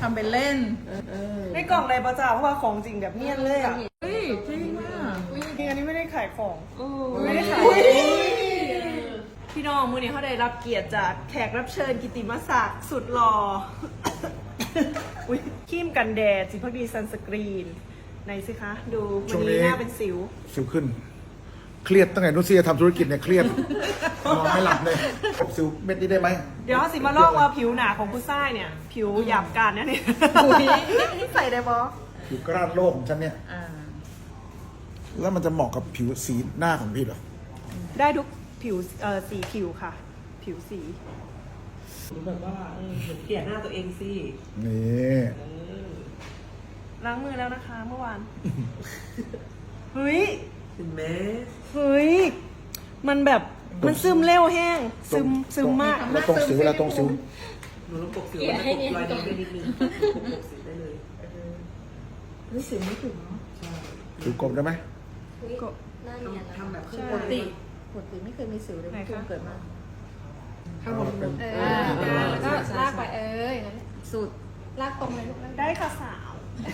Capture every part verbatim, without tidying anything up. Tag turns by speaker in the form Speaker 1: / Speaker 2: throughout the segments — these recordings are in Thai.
Speaker 1: ทำเป็นเล่น
Speaker 2: ในกล่องในประจ่าเพราะว่าของจริงแบบเนียนเลยอ่ะ
Speaker 1: เฮ้ยจริงมาก
Speaker 2: จริงอันนี้ไม่ได้ขายของ
Speaker 1: ไม่ได้ขาย
Speaker 2: พี่น้องมื้อนี้เขาได้รับเกียรติจากแขกรับเชิญกิตติมศักดิ์สุดหล่อ อุ้ยครีมกันแดดสีพักดีซันสกรีนไหนสิคะ ดูวันนี้หน้าเป็นสิว
Speaker 3: สิวขึ้น เครียดตั้งแต่นุชเซียทำธุรกิจเนี่ยเครียดนอนไม่หลับเลยสิวเม็ดนี้ได้ไหม
Speaker 2: เดี๋ยวสิมาลอกว่าผิวหนาของผู้ชายเนี่ย ผิวหยาบการนะเนี่ยใส่ได้บอ
Speaker 3: ผิวกร้านโลกของฉันเนี่ย
Speaker 1: อ่า
Speaker 3: แล้วมันจะเหมาะกับผิวสีหน้าของพี่เหรอ
Speaker 2: ได้ทุกผิวเอ่อสีผิวค่ะ ผิวสีแบบว่าเห็นเกลียดหน้าตัวเองสิ
Speaker 3: นี่
Speaker 2: ล้างมือแล้วนะคะเมื่อวาน เฮ้ย
Speaker 4: เห็นไหม
Speaker 2: เฮ้ย มันแบบมันซึมเร็วแห้ง ซึมซึมมาก
Speaker 3: แล้วตรงสิวแล้วตรงสิว
Speaker 4: หนูต้องปกสิวแล้วปกรอยนิ้วได้นิดนึงปกปกสิวได้เลย
Speaker 1: รู้สึกไม่ถูกเนาะ
Speaker 4: ใช่
Speaker 3: สิวกลมได้ไหม
Speaker 2: ก็
Speaker 5: หน้าเนียน
Speaker 4: ทำแบบขึ้น
Speaker 1: ป
Speaker 4: บ
Speaker 1: ก
Speaker 4: น
Speaker 1: ติปกติไม่เคยมีสิวเลยเพิ่งเกิดมา
Speaker 4: ข้างบนบน
Speaker 1: เออแล้วก็ลากไปเอออย่างนั้นสุดลากตรงเลยลูก
Speaker 2: ได้ค่ะสาว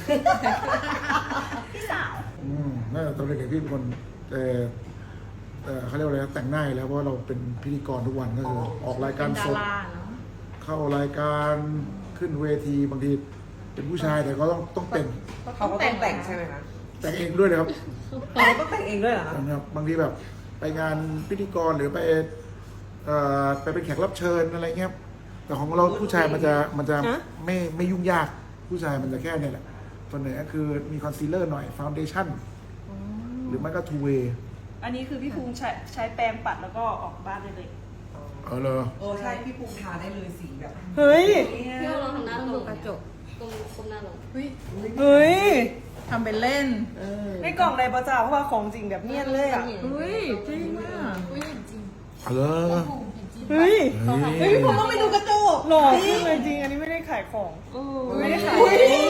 Speaker 2: พี่สาว
Speaker 3: อืมน่าจะตอนเด็กๆพี่เป็นคนเออเออเขาเรียกว่าอะไรนะแต่งหน้าอยู่แล้วเพราะว่าเราเป็นพิธีกรทุกวันก็คือออกรายการ
Speaker 1: เป็นดา
Speaker 3: สด
Speaker 1: ราเนาะ
Speaker 3: เข้ารายการขึ้นเวทีบางทีเป็นผู้ชายแต่ก็ต้องต้องแต่ง
Speaker 4: เขาก็ต้องแต่งใช่ไหมคะ
Speaker 3: แต่งเองด้วยนะครับ
Speaker 4: เขาก็ต้องแต่งเองด้วยเหรอคะ
Speaker 3: นะครับบางทีแบบไปงานพิธีกรหรือไปเอ่อไปเป็นแขกรับเชิญอะไรเงี้ยแต่ของเราผู้ชายมันจะมันจะไม่ไม่ยุ่งยากผู้ชายมันจะแค่เนี่ยแหละส่วนใหญ่ก็คือมีคอนซีลเลอร์หน่อยฟาวเดชั่นหรือไม่ก็ทูเวย์
Speaker 2: อันนี้คือพี่ภูมิใช้ใช้แปรงปัดแล้วก็ออกบ้านได้เลย
Speaker 3: เออเลย
Speaker 4: โอ้ใช่พี่ภูมิทาได้เลยสีแบบ
Speaker 2: เฮ้ย
Speaker 5: พี่เราทำหน้า
Speaker 1: ต้อง
Speaker 5: ตร
Speaker 1: ดู
Speaker 5: ง
Speaker 1: กระจก
Speaker 5: ตรงคมหน้าลง
Speaker 1: เฮ้ย
Speaker 2: เฮ้ย
Speaker 1: ทำเป็นเล่น
Speaker 2: ในกล่องในประจ่าเพราะว่าของจริงแบบเนียนเลยอ่ะ
Speaker 1: เฮ้ยจริงมาก
Speaker 3: เออ
Speaker 2: เฮ้ย
Speaker 3: เฮ้ย
Speaker 2: เฮ้ยผมต้องไปดูกระจกหล่อขึ้นเลยจริง อันนี้ไม่ได้ขายของ ไม่ได้ขาย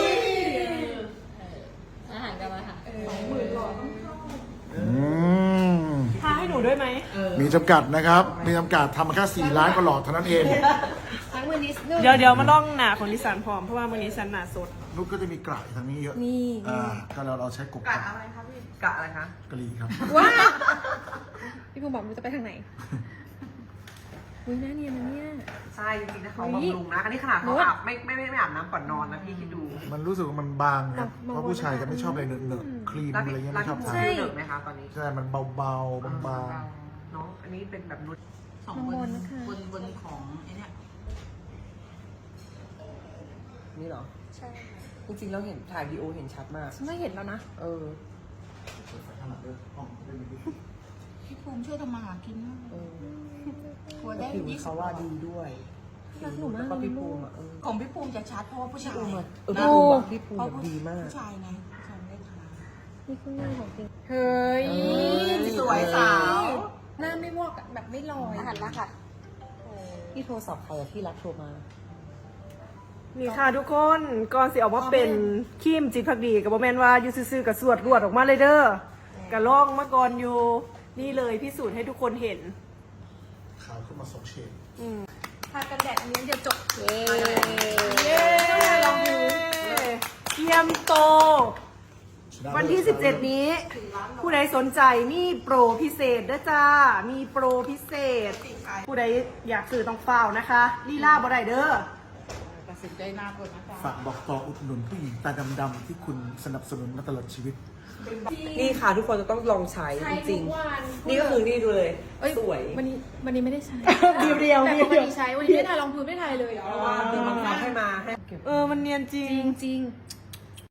Speaker 5: อาหารกันมาค่ะ
Speaker 3: อืม
Speaker 2: ทาให้หนูด้วยไหม
Speaker 3: มีจำกัดนะครับ มีจำกัดทำมาแค่สี่ล้านก็หลอดเท่านั้นเอง
Speaker 1: ทั้งมือนิดนึง
Speaker 2: เดี๋ยวเดี๋ยวมาลองหนาของดิสันพร้อมเพราะว่าวันนี้สันหนาสด
Speaker 3: นุกก็จะมีกระทางนี้เยอะ
Speaker 1: นี่
Speaker 3: อ่าก็เราเราใช้กบ
Speaker 4: กะอะไรคะพี่กะอะไรคะ
Speaker 3: กะหรี่ครับ
Speaker 1: ว้าพี่ภูมิบอกมันจะไปทางไหนอุ้ยหน้าเนียนนะเนี่ย
Speaker 4: ใช่จริงๆนะเขาบำรุงนะ อันนี้ขนาดเขาอาบไม่ไม่ไม่ไม่อาบน้ำก่อนนอนนะพี่คิดดู
Speaker 3: มันรู้สึกว่ามันบางครับเพราะผู้ชายจะไม่ชอบอะไรเหนอะๆครีม
Speaker 4: แล้ว
Speaker 3: อะไร
Speaker 4: พี่
Speaker 3: เงี้ย
Speaker 4: แล้ว
Speaker 3: ไม่ชอบ
Speaker 4: พี่ภู
Speaker 3: ทา
Speaker 4: มิ
Speaker 3: น
Speaker 4: เหนอะไหมคะตอนนี้
Speaker 3: ใช่ มันเบาๆบาง
Speaker 4: เนาะอันนี้เป็นแบบนุช
Speaker 1: สองบนนะคะ
Speaker 6: บนบนของไอ้เนี่ย
Speaker 4: นี่เหรอ
Speaker 5: ใช่
Speaker 4: จริงๆเราเห็นถ่ายวีดีโอเห็นชัดมาก
Speaker 1: ฉันไม่เห็นแล้วนะ
Speaker 4: เออ
Speaker 6: พี่ภูมิช่วยทำมาหากินมาก
Speaker 4: เออ
Speaker 6: ทัวร์ได้
Speaker 4: ผิว
Speaker 6: ยี่สิ
Speaker 4: เขา
Speaker 6: บ
Speaker 4: ว่าดีด้วย
Speaker 1: รักหนูมาก
Speaker 4: แล้วก็พี่ภูมิอ่ะเออ
Speaker 6: ของพี่ภูมิจะชัดเพราะว่าผู้ชาย
Speaker 4: เออ
Speaker 6: ห
Speaker 4: พี่
Speaker 6: น้า
Speaker 4: ภูมิอะพี่ภูมิ
Speaker 6: เพราะ
Speaker 4: แบบดีมาก
Speaker 6: ผู้ชายไงผู้ชายไม่ได้ทา
Speaker 1: นี่คือหน้าของจริงเฮ้ย
Speaker 6: สวยสาว
Speaker 1: หน้าไม่วอกอะแบบไม่ลอย
Speaker 5: อาหารมาค่ะ
Speaker 4: พี่โทรศัพท์ใครอะที่รักโทรมา
Speaker 2: นี่ค่ะทุกคนก่อนสิออกมาเป็นครีมจิตพักดีกับโมเมนว่าอยู่ซื่อๆกับสวดรวดออกมาเลยเด้อกะล่องมาก่อนอยู่ นี่เลยพิสูจน์ให้ทุกคนเห็น
Speaker 3: ขาวขึ้นมาสองเฉด
Speaker 1: ทากันแดดนี้เดียวจบ
Speaker 5: เย้
Speaker 2: เย้ลองดูเทียมโต วันที่ สิบเจ็ด นี้ ผู้ใดสนใจมีโปรพิเศษด้วยจ้า มีโปรพิเศษ ผู้ใดอยากซื้อต้องเฝ้านะคะลีลาบ่ได้เด้อ
Speaker 6: ตัดสินใจหน้าคนนะคะ
Speaker 3: ฝากบอกต่ออุดหนุนผู้หญิงตาดำๆที่คุณสนับสนุนมาตลอดชีวิต
Speaker 4: นี่ค่ะทุกคนจะต้องลองใช้
Speaker 1: ใช้
Speaker 4: จริง
Speaker 1: ทุกวัน
Speaker 4: ๆนี่ก็คือนี่ดูเลย
Speaker 1: เอ้ย
Speaker 4: สวย
Speaker 1: วันนี้วันนี้ไม่ได้ใช้
Speaker 2: เดียวเดียว
Speaker 1: แต่
Speaker 2: เดียว
Speaker 1: ปกติใช้วันนี้ไม่ได้ถ่ายรองพื้นไม่ได้ถ่ายเลย
Speaker 4: เพราะว่ามีบางครั้งให้มาให้
Speaker 2: เออมันเนียนจริ
Speaker 1: จ
Speaker 2: ง
Speaker 1: ริงจริง